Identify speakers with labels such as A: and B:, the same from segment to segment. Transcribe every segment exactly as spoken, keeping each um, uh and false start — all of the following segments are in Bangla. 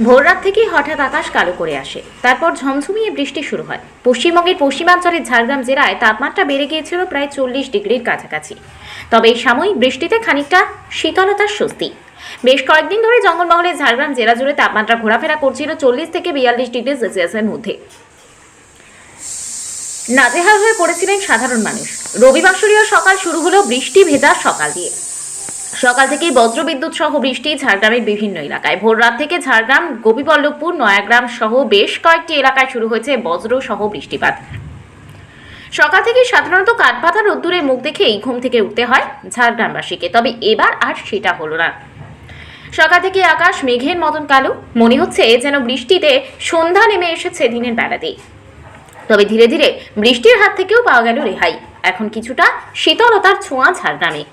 A: ভোররাত থেকেই হঠাৎ আকাশ কালো করে আসে, তারপর ঝমঝমিয়ে বৃষ্টি শুরু হয়। পশ্চিমবঙ্গের পশ্চিমাঞ্চলের ঝাড়গ্রাম জেলায় তাপমাত্রা বেড়ে গিয়েছিল প্রায় চল্লিশ ডিগ্রির কাছাকাছি। তবে এই সাময়িক বৃষ্টিতে খানিকটা শীতলতার স্বস্তি। বেশ কয়েকদিন ধরে জঙ্গলমহলের ঝাড়গ্রাম জেলা জুড়ে তাপমাত্রা ঘোরাফেরা করছিল চল্লিশ থেকে বিয়াল্লিশ ডিগ্রি সেলসিয়াসের মধ্যে। নাজেহাল হয়ে পড়েছিলেন সাধারণ মানুষ। রবিবাসরীয় সকাল শুরু হলো বৃষ্টি ভেজা সকাল দিয়ে। সকাল থেকেই বজ্রবিদ্যুৎ সহ বৃষ্টি ঝাড়গ্রামের বিভিন্ন এলাকায়। ভোর রাত থেকে ঝাড়গ্রাম, গোপীবল্লভপুর, নয়াগ্রাম সহ বেশ কয়েকটি এলাকায় শুরু হয়েছে বজ্র সহ বৃষ্টিপাত। সকাল থেকে সাধারণত কাঠপাতা রোদ্দুরের মুখ দেখেই ঘুম থেকে উঠতে হয় ঝাড়গ্রামবাসীকে, তবে এবার আর সেটা হলো না। সকাল থেকে আকাশ মেঘের মতন কালো, মনে হচ্ছে যেন বৃষ্টিতে সন্ধ্যা নেমে এসেছে দিনের বেলাতেই। তবে ধীরে ধীরে বৃষ্টির হাত থেকেও পাওয়া গেল রেহাই। এখন কিছুটা শীতলতার ছোঁয়া ঝাড়গ্রামে।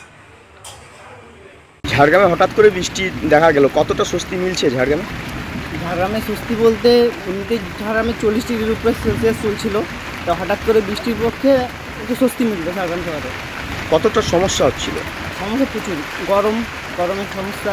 B: ঝাড়গ্রামে হঠাৎ করে বৃষ্টি দেখা গেল, কতটা স্বস্তি মিলছে ঝাড়গ্রামে?
C: ঝাড়গ্রামে স্বস্তি বলতে এমনিতে ঝাড়গ্রামে চল্লিশ ডিগ্রির উপরে সেলসিয়াস চলছিল, তো হঠাৎ করে বৃষ্টির পক্ষে একটু স্বস্তি মিলবে ঝাড়গ্রাম শহরে।
B: কতটা সমস্যা হচ্ছিল?
C: সমস্যা প্রচুর, গরম গরমের সমস্যা,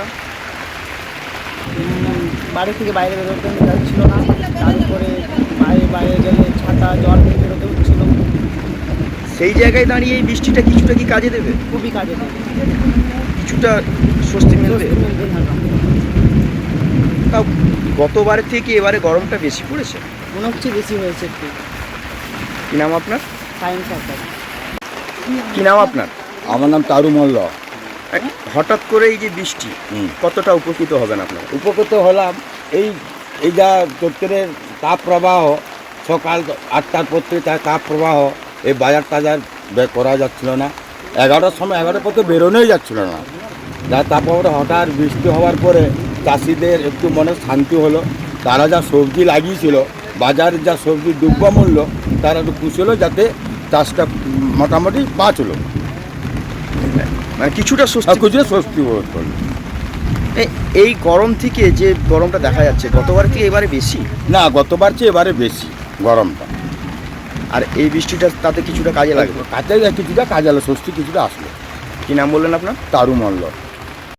C: উম, বাড়ি থেকে বাইরে বেরোতে যাচ্ছিল না, তারপরে বাইরে বাইরে গেলে ছাতা জল নিয়ে বেরোতে হচ্ছিল।
B: সেই জায়গায় দাঁড়িয়ে এই বৃষ্টিটা কিছুটা কি কাজে দেবে?
C: খুবই কাজে দেবে,
B: কিছুটা স্বস্তি মিলবে।
C: স্বস্তি মিলবে ঝাড়গ্রামে।
B: তাও গতবারের থেকে এবারে গরমটা বেশি পড়েছে।
C: মনে হচ্ছে বেশি হয়েছে একটু।
B: কি নাম আপনার?
C: সায়েন্স সরকার।
B: কি নাম আপনার?
D: আমার নাম তারু মল্ল।
B: এই হঠাৎ করে এই যে বৃষ্টি,
D: হুম।
B: কতটা উপকৃত হবেন আপনারা?
D: উপকৃত হলাম এই এই যা চৈত্রের তাপ প্রবাহ, সকাল আটটার পর থেকে তার তাপ প্রবাহ, এই বাজার টাজার বের করা যাচ্ছিল না। এগারোটার সময় এগারোটার পর তো বেরোনোই যাচ্ছিল না। যা তারপরে হঠাৎ বৃষ্টি হওয়ার পরে চাষিদের একটু মনে শান্তি হলো। তারা যা সবজি লাগিয়েছিল, বাজারের যা সবজির দ্রব্যমূল্য, তারা একটু খুশি হলো যাতে চাষটা মোটামুটি বাঁচলো,
B: মানে কিছুটা স্বস্তি।
D: আর কিছুটা স্বস্তি বোধ করলো।
B: এই- এই গরম থেকে যে গরমটা দেখা যাচ্ছে গতবার থেকে এবারে বেশি,
D: না, গতবার চেয়ে এবারে বেশি গরমটা।
B: আর এই বৃষ্টিটা তাতে কিছুটা কাজে লাগবে।
D: কাজে কিছুটা কাজে আলো, স্বস্তি কিছুটা আসলো।
B: কি নাম বললেন আপনার?
D: তারু মল্ল।